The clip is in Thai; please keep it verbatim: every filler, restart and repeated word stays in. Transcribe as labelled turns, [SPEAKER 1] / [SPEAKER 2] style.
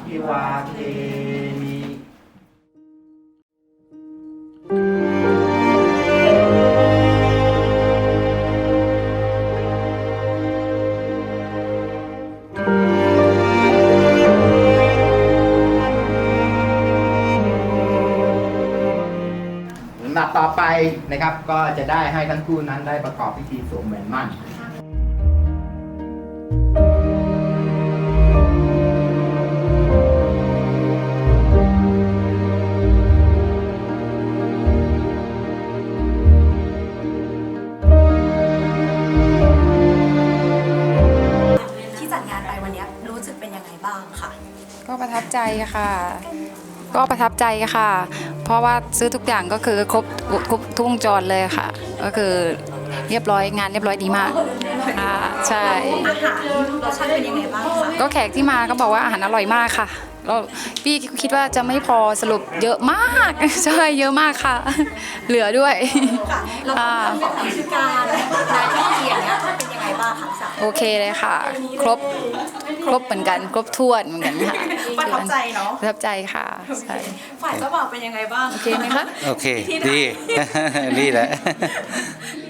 [SPEAKER 1] ภิวาเทมิ ลำดับต่อไปนะครับก็จะได้ให้ทั้งคู่นั้นได้ประกอบพิธีสวมแหวนหมั้น
[SPEAKER 2] ที่จัดงานไปวันนี้รู้สึกเป็นยังไงบ้างค่ะ
[SPEAKER 3] ก็ประทับใจค่ะ ก็ประทับใจค่ะ เพราะว่าซื้อทุกอย่างก็คือครบครบทุกวงจรเลยค่ะ ก็คือเรียบร้อยงานเรียบร้อยดีมากอ่าใช่
[SPEAKER 2] อาหารรสชาติเป็นยังไงบ้างคะ
[SPEAKER 3] ก็แขกที่มาก็บอกว่าอาหารอร่อยมากค่ะแล้วพี่คิดว่าจะไม่พอสรุปเยอะมาก ใช่เยอะมากค่ะ เหลือด้วย
[SPEAKER 2] ค่ะแล้วก็เรื่องของพิธีการงานพิธีอย่างเงี้ยเป็นยังไงบ้างคะพี่สาว
[SPEAKER 3] โอเคเลยค่ะ ครบครบเหมือนกัน ครบถ้วนเหมือนกันค่ะ
[SPEAKER 2] ประทับใจเนาะ
[SPEAKER 3] ประทับใจค่ะใช่
[SPEAKER 2] ฝ่ายเจ้าบ่าวเป็นยังไงบ้าง
[SPEAKER 3] โอเคไหมคะ
[SPEAKER 4] โอเค ดี นี่แหละ